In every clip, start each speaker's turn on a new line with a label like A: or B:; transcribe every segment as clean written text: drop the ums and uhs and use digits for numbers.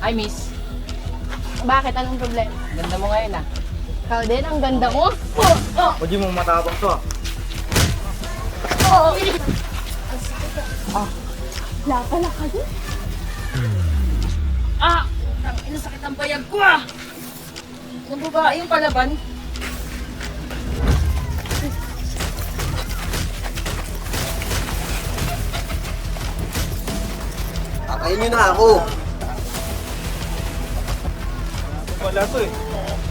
A: Ay, miss. Bakit? Anong problema?
B: Ganda mo ngayon ah.
A: Ikaw din, ang ganda mo. Oh! Oh!
C: Huwag mo matapang to.
A: Oh! Laka ka din.
B: Ah! Ang sakit ang bayag ko ah! Yung babae yung palaban.
C: Patayin niyo na ako. Wala to eh.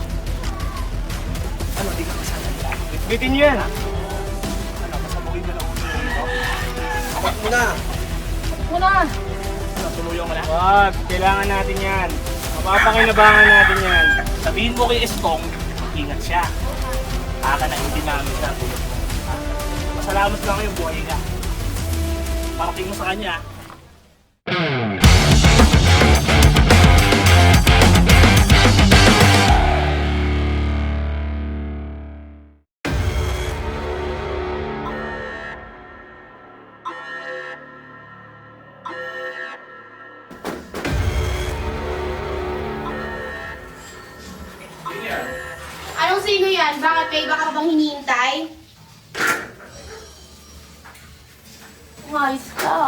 C: Ano, di ka masalala. Bitbitin niyo yan. Ano, pasabugin mo na ulo dito. Apat mo na.
A: Muna!
B: Ano, tumulong mo na?
C: Wag, kailangan natin yan. Mapapakinabangan natin yan.
B: Sabihin mo kay Estong, ingat siya. Aka na hindi namin siya tulad mo. Masalamat lang kayo, buhay ka. Parating mo sa kanya.
A: Anong sino yan? Bakit may iba ka bang hinihintay? Umayos ka.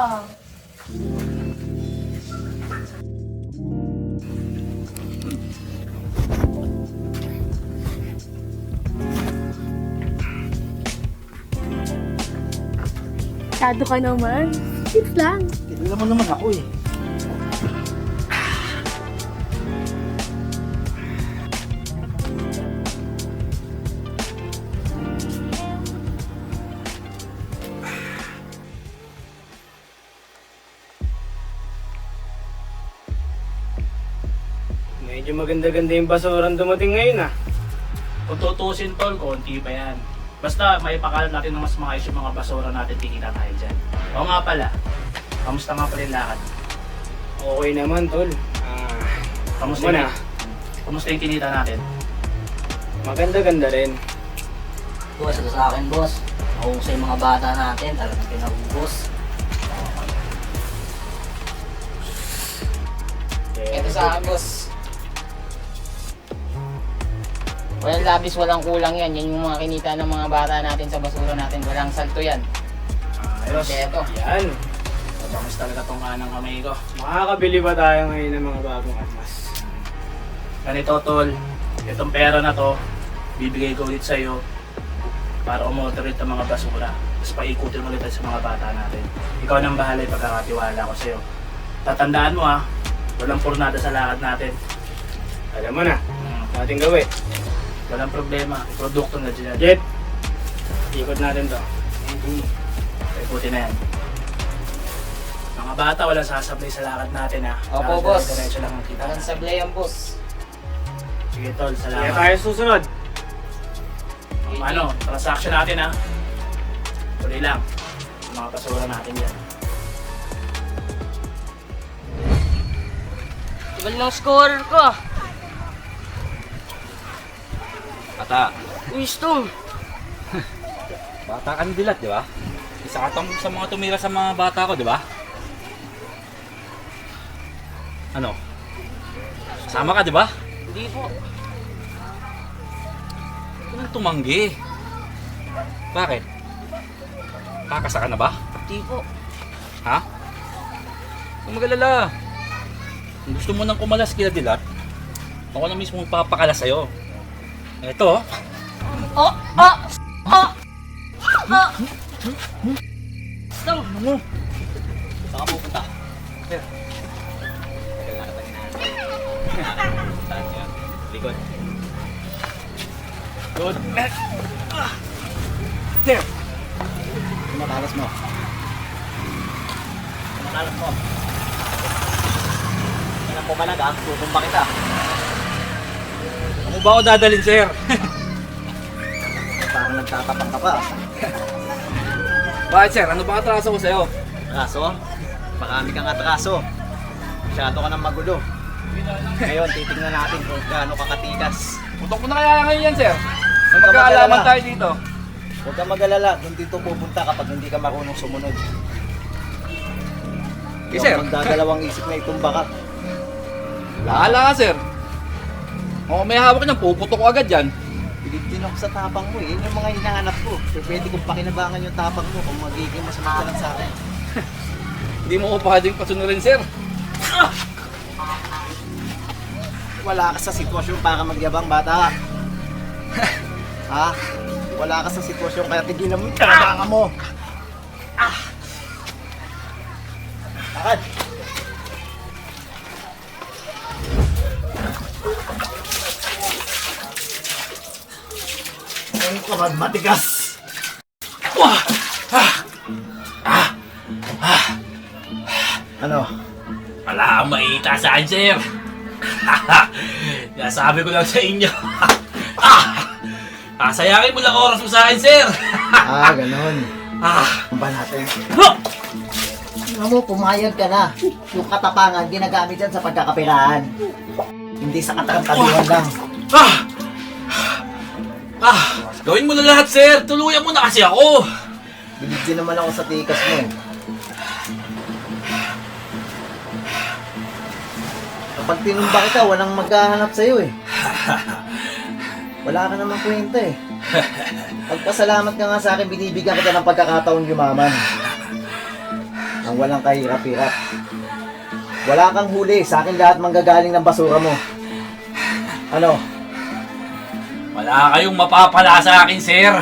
A: Masyado ka naman. Tips lang.
C: Kilala mo naman ako eh. Medyo maganda-ganda yung basurang dumating ngayon ah.
B: Kung tutusin tol, konti pa yan. Basta may pakalat natin ng mas maayos yung mga basura natin, tikita tayo dyan. Oo nga pala, kamusta nga pala yung lakad?
C: Okay naman tol.
B: Kamusta
C: Muna.
B: Kamusta yung kinita natin?
C: Maganda-ganda rin.
D: Boss, ito sa akin, boss. Mahusay yung mga bata natin, talagang pinahubos.
B: Ito sa akin, boss. Walang labis, walang kulang yan. Yan yung mga kinita ng mga bata natin sa basura natin. Walang salto yan. Ayos. Ito.
C: Yan.
B: Mabangus talaga tong kanang kamay ko.
C: Makakabili ba tayo ngayon ng mga bagong armas?
B: Ganito, tol. Itong pera na to, bibigay ko ulit sa'yo para umotorate ang mga basura. Tapos paikutin mo ulit sa mga bata natin. Ikaw nang bahala yung pagkakatiwala ko sa'yo. Tatandaan mo ha, walang purnada sa lakad natin.
C: Alam mo na, natin gawin.
B: Walang problema, produkto na dyan.
C: Jet, ikot natin to.
B: Paikutin na yan. Mga bata, walang sasablay sa lakad natin ha.
D: Opo, boss.
B: Diretso lang ang kita.
D: Walang sablay ang boss.
B: Sige tol,
C: Kaya
B: salamat.
C: tayo susunod.
B: Ano, transaction natin ha. Tuloy lang. Yung mga basura natin yan.
D: Ibal ng score ko.
E: Bata.
D: Uy, Stong.
E: Bata ka ni Dilat, di ba? Isa ka sa mga tumira sa mga bata ko, di ba? Ano? Sama ka, di ba?
D: Hindi po.
E: Anong tumanggi? Bakit? Kakasa ka na ba?
D: Hindi po.
E: Ha? Huwag mag-alala. Kung gusto mo nang kumalas kila Dilat, ako na mismo magpapakalas sa'yo. Ito,
D: Oh! Oh! Oh! Oh! Stong!
E: ano mo?
D: Saan ka pupunta?
E: Likod. Good. There.
D: Matalas mo. Matalas mo. Yan ang pumalag ah. Tutumba kita.
E: Ano ba ako dadalhin, sir?
D: Parang nagtatapang ka pa.
E: Bakit, sir? Ano ba atraso ko sa'yo?
D: Atraso? Marami kang atraso. Masyado ka ng magulo. Ngayon, titignan natin kung gaano kakatikas.
E: Putok mo na kaya ngayon yan, sir.
D: Huwag ka
E: Magkaalaman
D: mag-alala.
E: tayo dito.
D: Huwag kang mag-alala. Doon dito pupunta kapag hindi ka marunong sumunod.
E: Eh, sir.
D: Huwag magdadalawang isip na itumba ka.
E: Lala ka, sir. O may hawak niyan, puputok ko agad yan.
D: Pilit din ako sa tapang mo eh. Yun yung mga hinahanap ko. So, pwede kong pakinabangan yung tapang mo kung magiging masama ka lang sa akin.
E: Hindi mo ko pwedeng pasunurin, sir.
D: Wala ka sa sitwasyon para magyabang, bata. Ha? Wala ka sa sitwasyon kaya tigilan mo yung kinabangan mo. Lakad! Ang kamad matigas! Ano?
E: Wala kang maita sa akin, sir. Nasabi ko lang sa inyo. Sayangin mo lang oras mo sa akin, sir.
D: Ganon. Ano ba natin? Ano mo, pumayag ka na. Yung katapangan, ginagamit yan sa pagkakapirahan. Hindi sa katarang-tabihan lang.
E: Gawin mo na lahat, sir. Tuluyan mo na kasi ako.
D: Bilig din naman ako sa tikas mo eh. Kapag tinumba kita, walang maghahanap sa'yo eh. Wala ka namang kwenta eh. Pagpasalamat ka nga sa akin, binibigyan kita ng pagkakataon yumaman. Nang walang kahirap-hirap. Wala kang huli, sa akin lahat manggagaling ng basura mo. Ano?
E: Wala kayong mapapala sa akin, sir.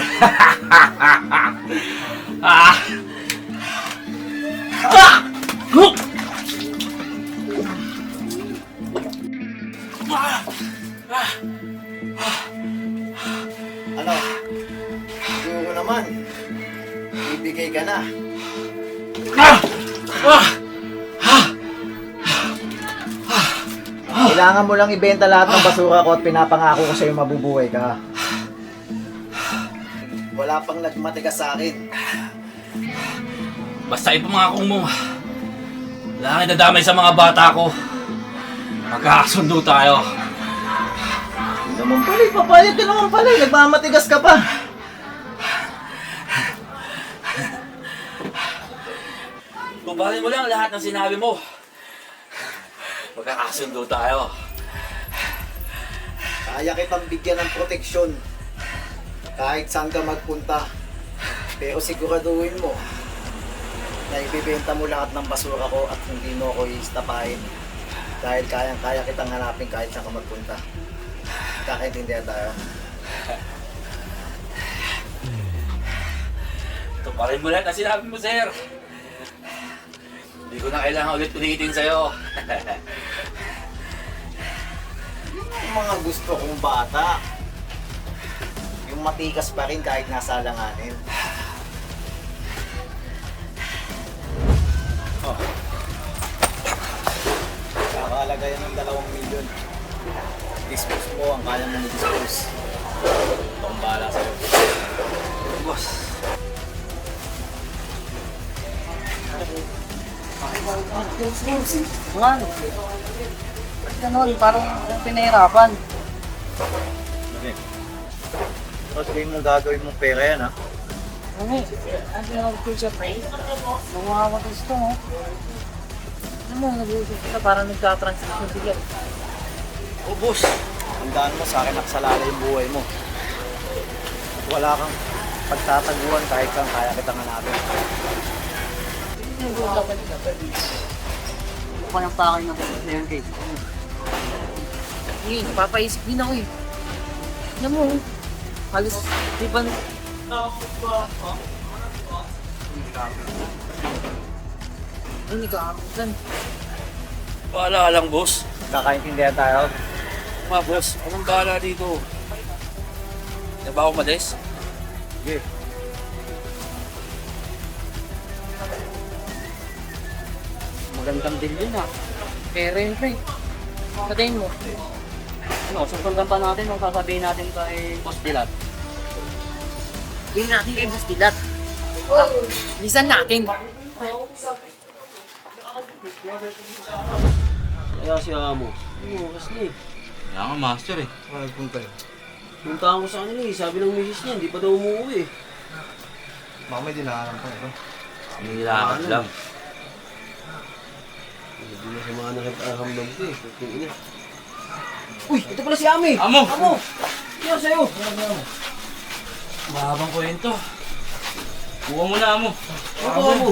D: Ano? Siguro naman. Ibigay ka na. Kailangan mo lang ibenta lahat ng basura ko at pinapangako ko sa'yo mabubuhay ka. Wala pang nagmatigas sa akin.
E: Basta ipamangako mo. Wala kang nadamay sa mga bata ko. Magkakasundo tayo.
D: Hindi naman pala, papayag ka naman pala. Nagmamatigas ka pa.
E: Kumpare mo lang lahat ng sinabi mo. Magkakasundo tayo.
D: Kaya kitang bigyan ng proteksyon. Kahit saan ka magpunta. Pero siguraduhin mo na ibibenta mo lahat ng basura ko at hindi mo ako iistapahin. Dahil kayang-kaya kitang hanapin kahit saan ka magpunta. Kakaintindihan tayo.
E: Tuparin mo lahat ang sinabi mo, sir. Hindi ko na kailangan ulit ulitin sa'yo.
D: Yung mga gusto kong bata, yung matikas pa rin kahit nasa alanganin. Kakalaga yan ng 2 milyon. Dispose mo ang kaya mong i-dispose. Ito ang bahala sa'yo.
E: Boss.
F: Ano? Ba't ganun? Parang pinahirapan.
D: Okay. Tapos kayo mong gagawin mong pera yan, ha?
F: Ano ano yung nag-culture pray? Nanguhawag gusto mo. Ano mo, nag-uusap sila parang nagka-transition sila.
D: Oh, boss. Tandaan mo, sa akin nakasalala yung buhay mo. At wala kang pagtataguan kahit kang kaya kitang hanapin.
F: Ako nang pakay na sa yung cake. Hindi, napapaisip din ako eh. Alam mo, halos, di ba... Ay, nagkakakutan.
E: Bahala ka lang, boss.
D: Kakaintindihan tayo.
E: Boss, anong bahala dito? Hindi ba ako malis?
D: Sige.
F: Magandang din yun ah. Pero yun, pre. Sa tingin mo, ano, susundan pa natin o sasabihin natin kay Boss Dilat? Sabihin natin kay Boss Dilat. Lisan natin.
C: Kaya si Amo. Oo, kasi
E: Kaya nga, master eh.
D: Magpunta yun.
C: puntahan ko sa kanila eh. Sabi ng misis niya, hindi pa daw umuwi eh.
D: Baka may dinaharan pa ito.
E: Nilakad lang.
C: Hindi na sa mga nakipaghamdam ko eh. Kung ina.
D: Uy, ito pala si Ami!
E: Amo!
D: Amo! Ano sa'yo?
E: Mahabang kwento. Kuha mo na, amo.
D: Ako, Amo!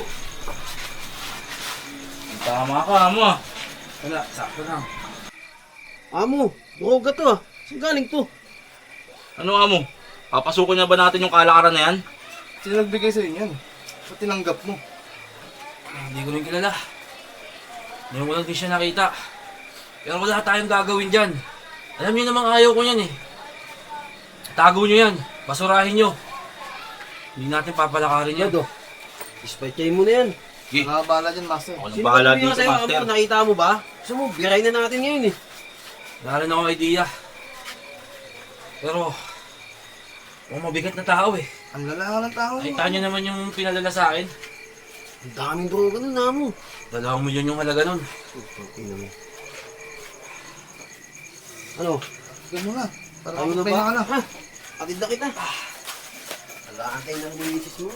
E: Tama ka, amo ah. Wala, sakto lang.
C: Amo, droga to ah. Saan galing to?
E: Ano, amo? Papasukin na ba natin yung kalakaran na yan?
G: Sino nagbigay sa'yo niyan? Ba't tinanggap mo?
E: Hindi ko rin kilala. Ngayon ko lang din siya nakita. Pero wala tayong gagawin dyan. Alam niyo namang ayaw ko yan eh. Tago niyo yan. Basurahin niyo. Hindi natin papalakarin yan.
C: Ispatchay mo na yan.
E: Sige.
G: Nakabala dyan, master.
E: Ako nang bahala
C: Sino
E: dito,
C: sa'yo,
E: master.
C: Amo? Nakita mo ba? Gusto mo, biray na natin ngayon eh.
E: Wala rin akong idea. Pero, mukhang mabigat na tao eh.
G: Ang lala ng tao.
E: Nakita niyo naman yung pinalala sa akin.
C: Ang daming droga nun, Amo.
E: 2 milyon yung halaga nun.
C: Ina mo. Ano?
G: Sige mo na. Para
C: Ayaw na
G: kapag
C: ba?
G: na ka na.
C: Ha? Atid na kita. Wala kayo ng bulisis mo.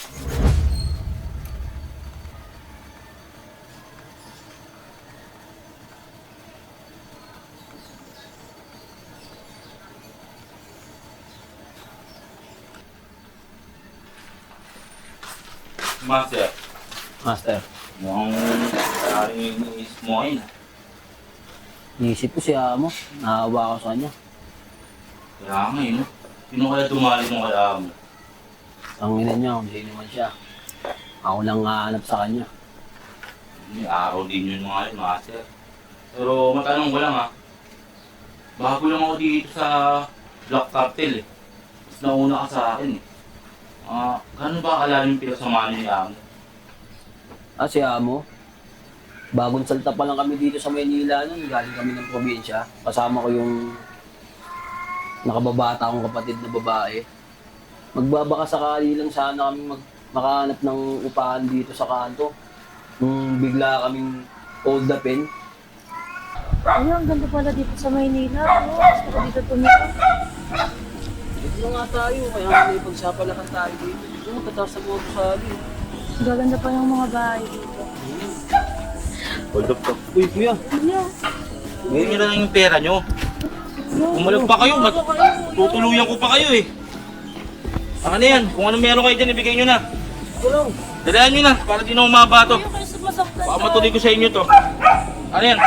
E: Master,
F: Master,
E: mukhang maraming iniisip mo ngayon.
F: niisip ko si Amo. Naawa ako sa kanya.
E: Kaya nga yun. Sino kaya dumali mong kaya mo?
F: Ang ina niya, kung sino man siya. Ako lang hahanap sa kanya.
E: May araw din yun mga yun, master. Pero matanong ko lang ha. Bago lang ako dito sa Black Cartel eh. Mas nauna ka sa akin eh. Gano'n ba kalalim yung pinasamahan niyo ni Amo?
F: Si Amo, bagong salta pa lang kami dito sa Maynila nun. Galing kami ng probinsya. Kasama ko yung nakababata akong kapatid na babae. Magbabaka sakali lang sana kami makahanap ng upahan dito sa kanto. Nung bigla kaming hold upin.
H: Ay, ang ganda pala dito sa Maynila. Gusto ko dito tumira.
F: Dito na nga tayo, kaya may pagsapalakan tayo dito. Dito mo, tataas sa mga sabi.
H: Gaganda pa yung mga bahay dito.
E: Hold up to.
F: Uy, kuya.
H: Kuya,
E: Ngayon nyo na lang yung pera nyo. Umalag pa kayo, tutuluyan ko pa kayo eh. Ano yan? Kung ano meron kayo dyan, ibigay nyo na.
F: Tulong.
E: Dalaan nyo na, para di na umaba to.
H: kayo kasi masaktan
E: Baka matuloy ko sa inyo to. Ano yan?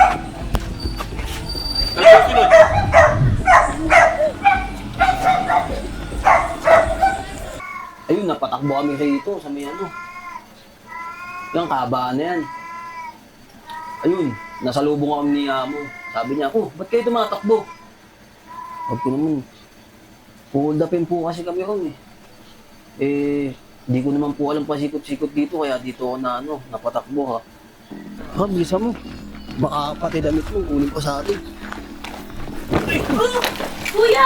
E: Ano yung sunod?
F: Ayun, napatakbo kami rito sa may ano. Yung kabaan na yan. Ayun, nasalubong kami ni Amo. Sabi niya, ba't kayo tumatakbo? Sabi ko naman, hold upin po kasi kami ron eh. Di ko naman po alam pasikot-sikot dito, kaya dito ako na napatakbo ha.
C: Ha, bisa mo. Baka pati damit mo, kunin pa sa atin.
H: Kuya!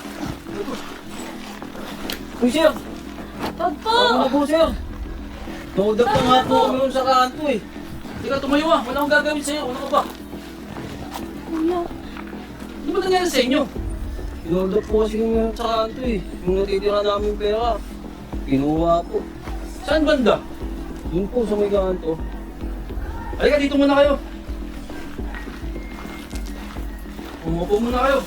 F: Uy, sir!
H: Wag po!
F: Ano na po, sir? Hold up na nga po kami ron sa kanto eh. Teka, tumayo wala akong gagawin sa'yo. Ano ka ba?
H: Kuya,
F: Ano ba nangyari sa inyo? Hold up po kasi kami sa kanto eh. Yung natitira namin pera. Kinuha po. Saan banda? Yun po sa may kanto. Halika, dito muna kayo. Umupo muna kayo.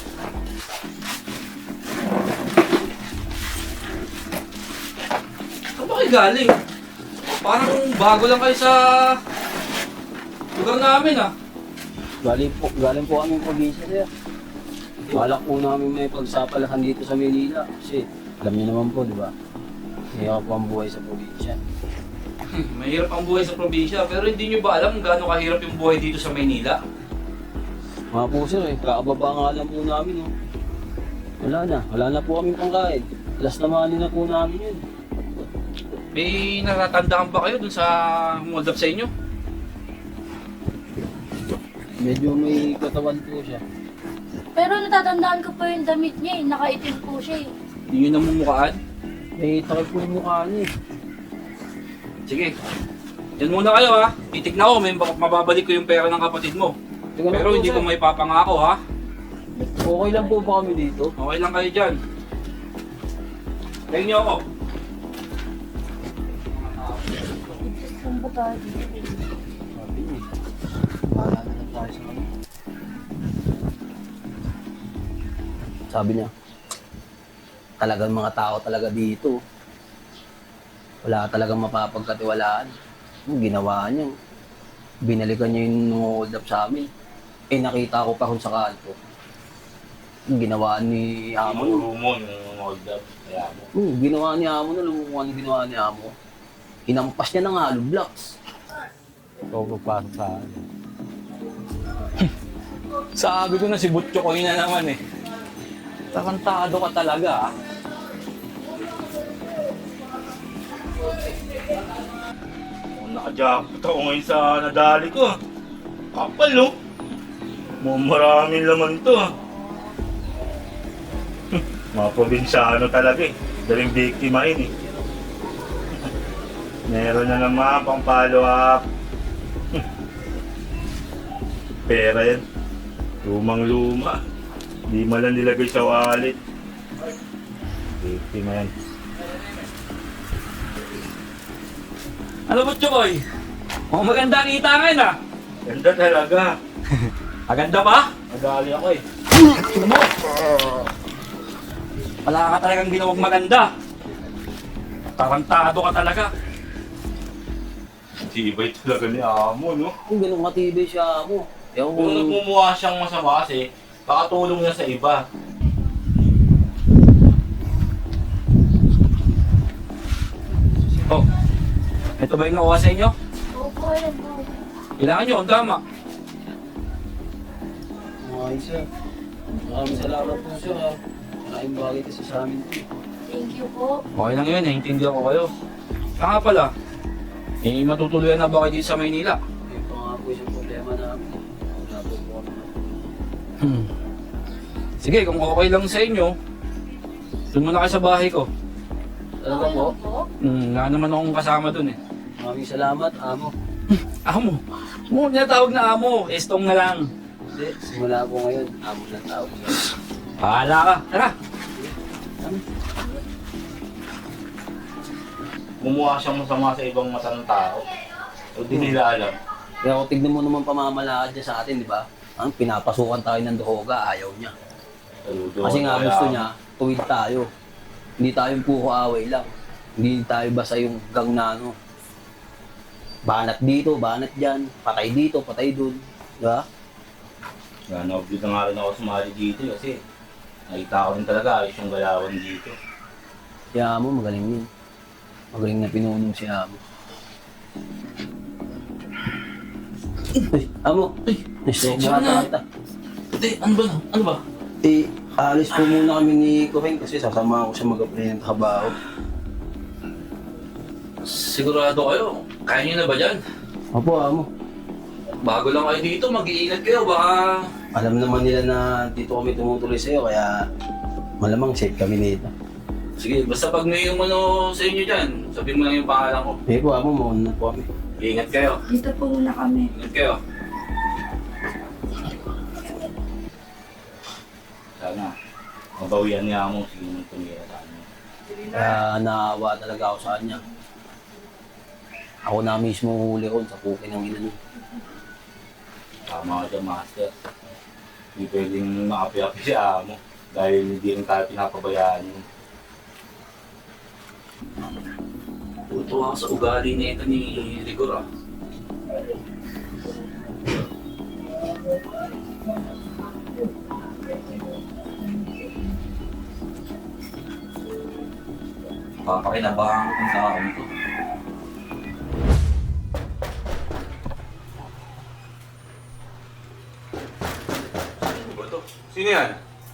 F: Saan ba kayo galing? Parang bago lang kayo sa lugar namin ah. Galing po kami probinsya sir. Balak po namin may pagsapalahan dito sa Manila kasi alam niyo naman po, di ba? Hirap po ang buhay sa probinsya.
E: Mahirap ang buhay sa probinsya, pero hindi nyo ba alam kung gaano kahirap yung buhay dito sa Maynila?
F: Mga po sir kakababa nga lang po namin Wala na po kami pangkain. Alas na money na po namin yun.
E: May natatandaan ba kayo dun sa hold up sa inyo?
F: Medyo may katawan po siya.
H: pero natatandaan ko po yung damit niya eh. Nakaitim po siya eh.
E: Hindi nyo namumukhaan?
F: May takip po yung mukha niya eh.
E: Sige, yan muna kayo ha. Titignan ko, may mababalik ko yung pera ng kapatid mo.
F: Teka lang
E: Pero
F: po,
E: hindi
F: sir.
E: ko may papangako ha.
F: Okay lang po ba kami dito?
E: Okay lang kayo dyan. Tingnan nyo ako.
H: Saan ba tayo dito?
F: Sabi niya.
I: Sabi niya, talagang mga tao talaga dito. Wala talagang mapapagkatiwalaan. Yung ginawa niya, binalikan niya yung hold up sa amin. Eh nakita ko pa kung sa kanto. Yung ginawa ni Amo.
E: mo yung hold up. Kaya mo.
I: Ginawa ni Amo na, lumukuha ang ginawa ni Amo. Hinampas niya ng hollow blocks.
E: Ikaw papasok sa akin. Sabi ko na si Butcho ko na naman eh. Tarantado ka talaga ah.
C: Nakajakot ako ngayon sa nadali ko. Kapal, no? Maraming laman to. Mga probinsyano talaga eh. Daling biktimahin eh. Meron na naman pang follow up. Pera yan. Lumang-luma. Di man lang nilagay sa wallet. Biktima yan.
E: Ano Butcho Koy? Mukhang maganda kita ngayon ah.
C: Ganda talaga.
E: Maganda ba?
C: Nadali ako eh.
E: Ano mo? Wala ka talagang ginawang maganda. Tarantado ka talaga.
C: Tibay talaga ni Amo, no?
I: Kung ganun katibay siya Amo. Ewan ko.
C: Kung nagmumukha siyang masama kasi, baka tulong niya sa iba.
E: Oh, ito ba yung nakuha sa inyo?
H: Opo, ayan po.
E: Kailangan nyo, ang tama.
I: Okay, sir. Maraming salamat po, sir. Maraming bagay kasi sa amin.
H: Thank you po.
E: Okay lang yun, naiintindihan ko kayo. Kaya nga pala, matutuluyan na ba kayo dito sa Maynila?
I: Yun pa nga po yung problema namin. Wala po po kami.
E: Sige, kung okay lang sa inyo, doon muna kayo sa bahay ko.
I: Talaga po?
E: Wala naman akong kasama doon eh.
I: Maraming salamat, Amo.
E: Amo. Mo niya tawag na amo. Estong na lang.
I: Hindi, simula po ngayon, Amo lang tawag niya.
E: Bahala ka. Tara.
C: Mumukha siyang masama sa ibang mata ng tao. O di nila alam.
I: Kaya kung tignan mo naman pamamalakad niya sa atin, di ba? Ang pinapasukan tayo ng Duhoga, ayaw niya. Kasi nga gusto niya, tuwid tayo. Hindi tayong puro away lang. Hindi tayo basta yung gang na ano. Banat dito, banat dyan. Patay dito, patay dun. Di ba?
C: Nanoobid na nga rin ako sumali dito kasi nakita ko rin talaga ayos yung galawan dito.
I: Si Amo, magaling yun. Magaling na pinunong si Amo. Ay, Amo! Ay,
E: Sige
I: naisok mo
E: na.
I: ata kita.
E: Hindi, ano ba? Ano ba?
I: Eh, alis po muna kami ni Kuring kasi sasama ako siya mag-apply ng trabaho.
E: Sigurado kayo. Kaya nyo na ba dyan?
I: Opo, Amo.
E: Bago lang kayo dito, mag-iingat kayo. Baka...
I: Alam naman nila na dito kami tumutuloy sa'yo, kaya malamang safe kami nito.
E: Sige, basta pag may umano sa inyo dyan, sabihin mo lang yung pangalan ko.
I: Sige po, Amo, mauna po kami.
E: Iingat kayo.
H: Dito po muna kami.
E: Ingat kayo.
C: Sana mabawian niya mo sige nang tumira sa amin.
I: Kaya naawa talaga ako sa kanya. Ako na mismo huli ko sa pukin ng ina niya.
C: Tama ka dyan, master. Hindi pwedeng makapi-api si Amo dahil hindi rin tayo pinapabayaan yun.
E: Tutuwa ako sa ugali na ito ni Rigor ah. Papakinabahan ko kung taon ko.
C: Sino yan?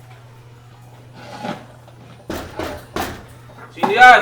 C: Sino yan?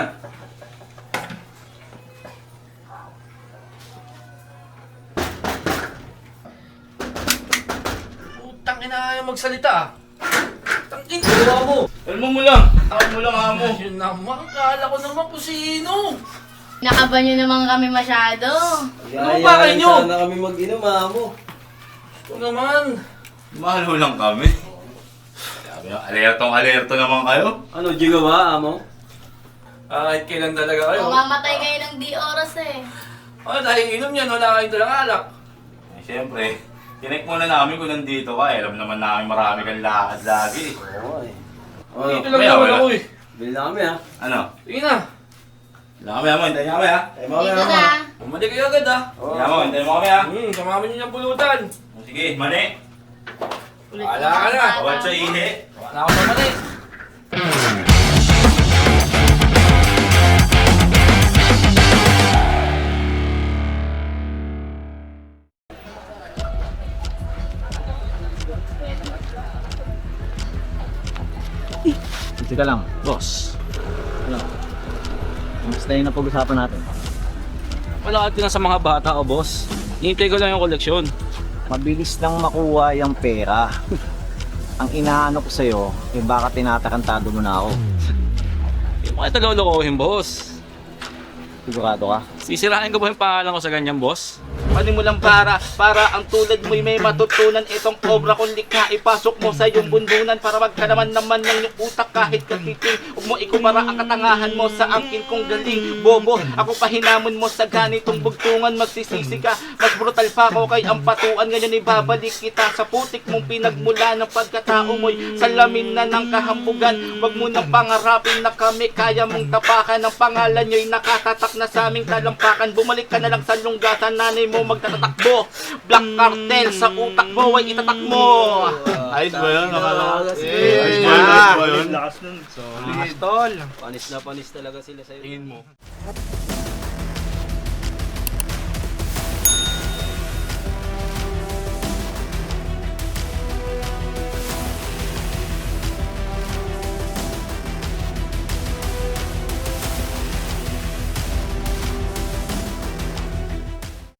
E: Putang ina ayaw magsalita ah. Tangin gawa mo.
C: Kalmo mo lang. Tawag mo lang, Amo.
E: Yun naman, kala ko naman kung sino.
A: Nakaba nyo naman kami masyado.
E: Ano ba kayo nyo?
I: Sana kami mag-inom, Amo.
E: Ito naman.
C: Mahalo lang kami. Sabi nyo, alertong-alerto naman kayo.
I: Ano, gigawa, Amo?
E: Kahit kailan talaga kayo.
A: Mamamatay kayo ng di oras eh.
E: Dahil inom yan, wala kayong dalang alak.
C: Eh, siyempre, tinek muna namin kung nandito ka. Alam naman namin marami kang lakad lagi.
I: Oo, eh.
E: Dito lang naman ako eh.
I: Bili na kami ha.
C: Ano?
E: Sige na.
C: Hintayin kami, hintayin kami ha.
A: Dito na.
E: Bumalik kayo agad ha.
C: Hintayin mo, hintayin mo kami ha.
E: Samahan niyo yung pulutan.
C: Sige, mani.
E: Wala ka na.
C: Bawat sa ihi.
E: Wala ako sa mali.
D: Teka lang.
E: Boss,
D: Kamusta yung napag-usapan natin?
E: wala ka na sa mga bata o boss. Hintay ko lang yung koleksyon.
D: Mabilis lang makuha yung pera. Ang inaano ko sa'yo, baka tinatakantado mo na ako.
E: Hindi mo kita lolokohin, boss.
D: Sigurado ka?
E: Sisirain ko ba yung pangalan ko sa ganyan, boss?
B: Panimulang para ang tulad mo'y may matutunan. Itong obra kong likha, ipasok mo sa iyong bundunan para magkalaman naman ng iyong utak kahit katiting. Huwag mo ikumpara ang katangahan mo sa angkin kong galing. Bobo, ako pahinamon mo sa ganitong bugtungan. Magsisisi ka, mas brutal pa ako kay ampatuan. Ngayon ibabalik kita sa putik mong pinagmula ng pagkatao mo'y salamin na ng kahambugan. Huwag mo nang pangarapin na kami kaya mong tapakan. Ang pangalan nyo'y nakatatak na sa aming talampakan. Bumalik ka na lang sa lunggasan, nanay mo magtatatakbo. Black cartel sa utak mo ay itatak mo. Ayos ba yun? Ayos ba yun?
C: Lakas nun.
B: Tol.
I: Panis na panis talaga sila sa'yo.
B: Tingin mo.